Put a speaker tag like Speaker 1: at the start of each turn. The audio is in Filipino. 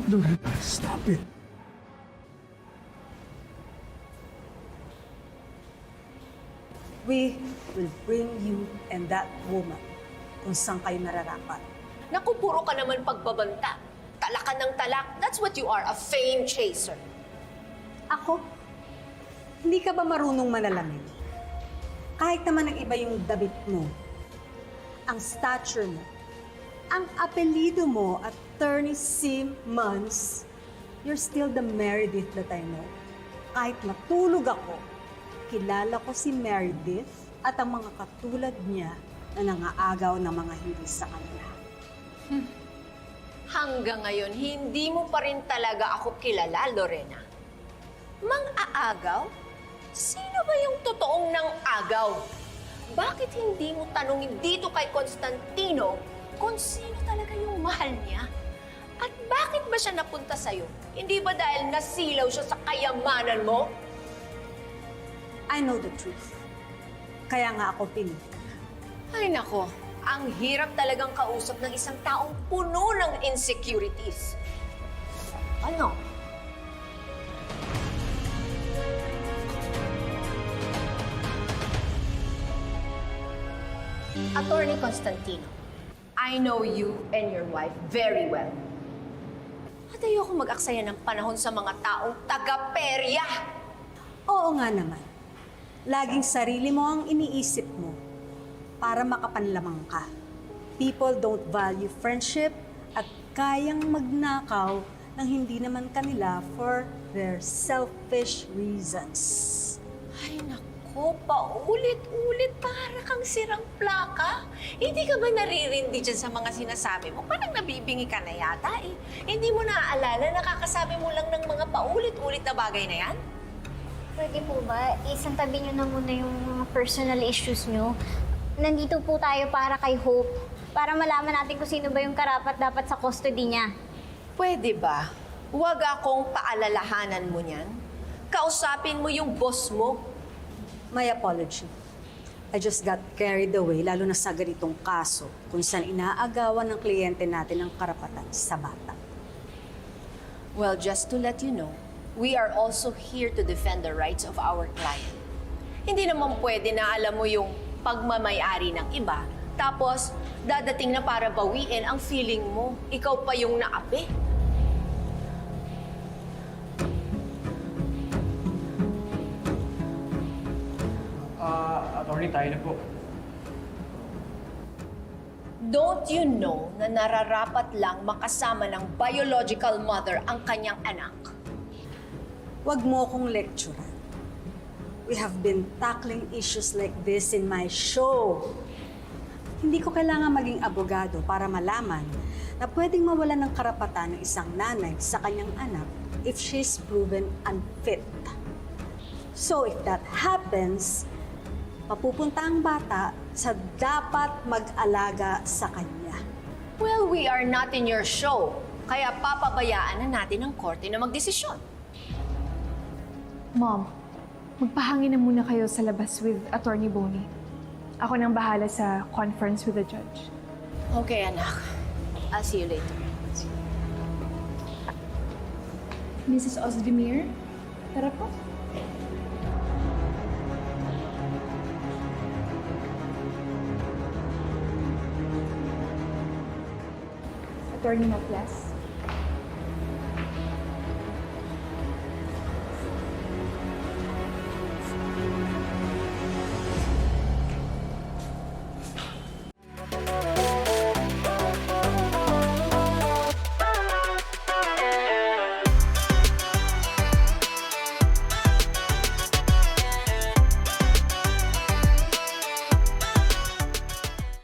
Speaker 1: Loretta, stop it.
Speaker 2: We will bring you and that woman kung saan kayo nararapat.
Speaker 3: Naku, puro ka naman pagbabanta. Talakan ng talak. That's what you are, a fame chaser.
Speaker 2: Ako? Hindi ka ba marunong manalamin? Kahit naman ang iba yung dabit mo, ang stature mo, ang apelido mo, Attorney Simmons, you're still the Meredith that I know. Kahit matulog ako, kilala ko si Meredith at ang mga katulad niya na nangaagaw ng mga hindi sa kanila.
Speaker 3: Hanggang ngayon, hindi mo pa rin talaga ako kilala, Lorena. Mang-aagaw? Sino ba yung totoong nang-agaw? Bakit hindi mo tanungin dito kay Constantino kung sino talaga yung mahal niya? At bakit ba siya napunta sa'yo? Hindi ba dahil nasilaw siya sa kayamanan mo?
Speaker 2: I know the truth. Kaya nga ako pinig.
Speaker 3: Ay nako, ang hirap talagang kausap ng isang taong puno ng insecurities. Ano? Attorney Constantino, I know you and your wife very well. At ayoko mag-aksaya ng panahon sa mga taong taga-perya.
Speaker 2: Oo nga naman. Laging sarili mo ang iniisip mo para makapanlamang ka. People don't value friendship at kayang magnakaw ng hindi naman kanila for their selfish reasons.
Speaker 3: Ay nako, paulit-ulit para kang sirang plaka. Hindi ka ba naririndi dyan sa mga sinasabi mo? Parang nabibingi ka na yata eh. Hindi mo naaalala, nakakasabi mo lang ng mga paulit-ulit na bagay na yan?
Speaker 4: Pwede po ba, isang tabi nyo na muna yung mga personal issues nyo. Nandito po tayo para kay Hope, para malaman natin kung sino ba yung karapat-dapat sa custody niya.
Speaker 3: Pwede ba? Huwag akong paalalahanan mo niyan. Kausapin mo yung boss mo.
Speaker 2: My apology. I just got carried away, lalo na sa ganitong kaso kung saan inaagawan ng kliyente natin ang karapatan sa bata.
Speaker 3: Well, just to let you know, we are also here to defend the rights of our client. Hindi naman pwede na alam mo yung pagmamayari ng iba, tapos dadating na para bawiin ang feeling mo. Ikaw pa yung naapi.
Speaker 1: Attorney, tayo na po.
Speaker 3: Don't you know na nararapat lang makasama ng biological mother ang kanyang anak?
Speaker 2: Huwag mo akong lecturean. We have been tackling issues like this in my show. Hindi ko kailangan maging abogado para malaman na pwedeng mawalan ng karapatan ng isang nanay sa kanyang anak if she's proven unfit. So if that happens, papupunta ang bata sa dapat mag-alaga sa kanya.
Speaker 3: Well, we are not in your show, kaya papabayaan na natin ang korte na magdesisyon.
Speaker 5: Mom, magpahangin na muna kayo sa labas with Attorney Boney. Ako nang bahala sa conference with the judge.
Speaker 3: Okay, anak. I'll see you later.
Speaker 5: Mrs. Ozdemir, tara po. Attorney Maplas.